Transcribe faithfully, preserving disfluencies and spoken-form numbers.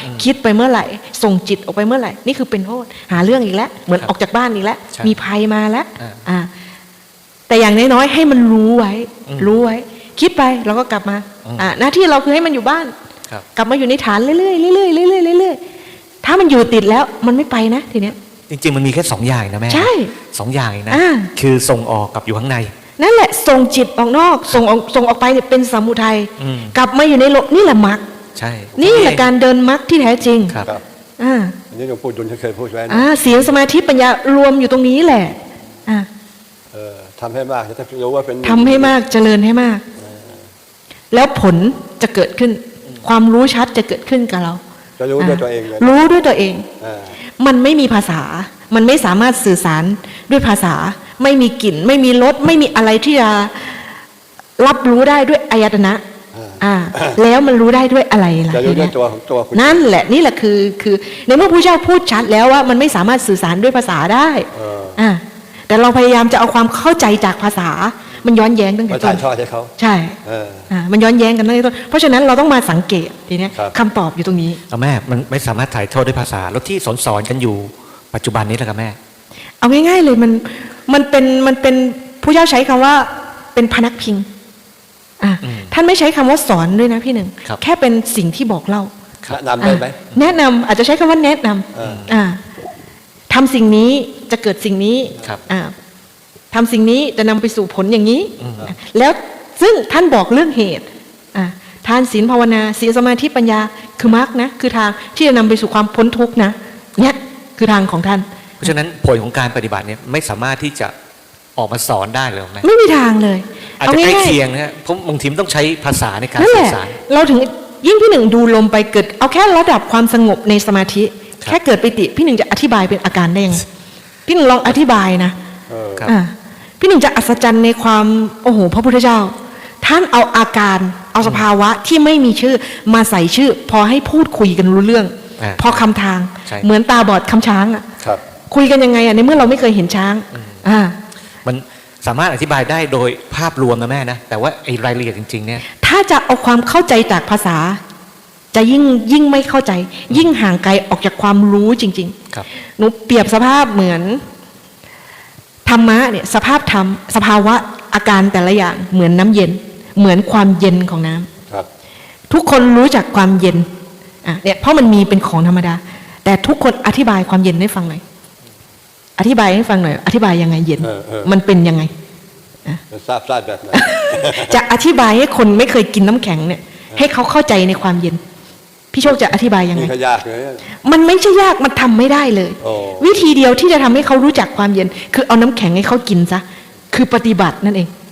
คิดไปเมื่อไหร่ส่งจิตออกไปเมื่อไหร่นี่คือเป็นโทษหาเรื่องอีกแล้วเหมือนออกจากบ้านอีกแล้วมีภัยมาแล้วอ่าแต่อย่างน้อยๆให้มันรู้ไว้รู้ไว้คิดไปเราก็กลับมาอ่าหน้าที่เราคือให้มันอยู่บ้านกลับมาอยู่ในฐานเรื่อยๆเรื่อยๆเรื่อยๆเรื่อยๆถ้ามันอยู่ติดแล้วมันไม่ไปนะทีเนี้ยจริงๆมันมีแค่สองอย่างนะแม่ใช่สองอย่างนะคือส่งออกกับอยู่ข้างในนั่นแหละส่งจิตออกนอกส่งออกส่งออกไปเนี่ยเป็นสมุทัยกลับมาอยู่ในโลกนี่แหละมรรคใช่นี่แหละการเดินมรรคที่แท้จริงครับอ่าอันนี้หลวงปู่ดุลเคยพูดไว้นะอ่าศีลสมาธิปัญญารวมอยู่ตรงนี้แหละอ่าเออทำให้มากจะรู้ว่าเป็นทำให้มากเจริญให้มากแล้วผลจะเกิดขึ้นความรู้ชัดจะเกิดขึ้นกับเราจะรู้ด้วยตัวเองเลยรู้ด้วยตัวเองมันไม่มีภาษามันไม่สามารถสื่อสารด้วยภาษาไม่มีกลิ่นไม่มีรสไม่มีอะไรที่จะรับรู้ได้ด้วยอายตนะอ่าแล้วมันรู้ได้ด้วยอะไรล่ะจะรู้ด้วยตัวของตัวคุณนั่นแหละนี่แหละคือคือในเมื่อพระเจ้าพูดชัดแล้วว่ามันไม่สามารถสื่อสารด้วยภาษาได้อ่าแต่เราพยายามจะเอาความเข้าใจจากภาษามันย้อนแย้งตั้งแต่ต้นชอบให้เขาใช่อ่ามันย้อนแย้งกันตั้งแต่ต้นเพราะฉะนั้นเราต้องมาสังเกตทีนี้คำตอบอยู่ตรงนี้แม่มันไม่สามารถถ่ายทอดด้วยภาษาแล้วที่สอนสอนกันอยู่ปัจจุบันนี้แหละครับแม่เอาง่ายๆเลยมันมันเป็นมันเป็นผู้เจ้าใช้คำว่าเป็นพนักพิงอ่าท่านไม่ใช้คำว่าสอนด้วยนะพี่หนึ่งแค่เป็นสิ่งที่บอกเล่าแนะนำได้ไหมแนะนำอาจจะใช้คำว่าแนะนำอ่าทำสิ่งนี้จะเกิดสิ่งนี้อ่าทำสิ่งนี้จะนำไปสู่ผลอย่างนี้แล้วซึ่งท่านบอกเรื่องเหตุอ่าทานศีลภาวนาศีลสมาธิปัญญาคือมรรคนะคือทางที่จะนำไปสู่ความพ้นทุกข์นะเนี่ยคือทางของท่านเพราะฉะนั้นผลของการปฏิบัติเนี่ยไม่สามารถที่จะออกมาสอนได้เลยไหมไม่มีทางเลยอาจจะใกล้เคียงนะฮะเพราะบางทีต้องใช้ภาษาในการสื่อสารเราถึงยิ่งพี่หนึ่งดูลมไปเกิดเอาแค่ระดับความสงบในสมาธิแค่เกิดปิติพี่หนึ่งจะอธิบายเป็นอาการได้ยังพี่หนึ่งลองอธิบายนะอ่าพี่หนึ่งจะอัศจรรย์ในความโอ้โหพระพุทธเจ้าท่านเอาอาการเอาสภาวะที่ไม่มีชื่อมาใส่ชื่อพอให้พูดคุยกันรู้เรื่องพอคำทางเหมือนตาบอดคำช้างอ่ะคุยกันยังไงอ่ะในเมื่อเราไม่เคยเห็นช้างอ่ามันสามารถอธิบายได้โดยภาพรวมนะแม่นะแต่ว่าไอ้รายละเอียดจริงๆเนี่ยถ้าจะเอาความเข้าใจจากภาษาจะยิ่งยิ่งไม่เข้าใจยิ่งห่างไกลออกจากความรู้จริงๆครับหนูเปรียบสภาพเหมือนธรรมะเนี่ยสภาพธรรมสภาวะอาการแต่ละอย่างเหมือนน้ำเย็นเหมือนความเย็นของน้ำครับทุกคนรู้จักความเย็นอ่ะเนี่ยเพราะมันมีเป็นของธรรมดาแต่ทุกคนอธิบายความเย็นให้ฟังหน่อยอธิบายให้ฟังหน่อยอธิบายยังไงเย็นมันเป็นยังไงทราบทราบแบบไหนจะอธิบายให้คนไม่เคยกินน้ำแข็งเนี่ยให้เขาเข้าใจในความเย็นพี่โชคจะอธิบายยังไงยากเลยมันไม่ใช่ยากมันทำไม่ได้เลยวิธีเดียวที่จะทำให้เขารู้จักความเย็นคือเอาน้ำแข็งให้เขากินซะคือปฏิบัตินั่นเอง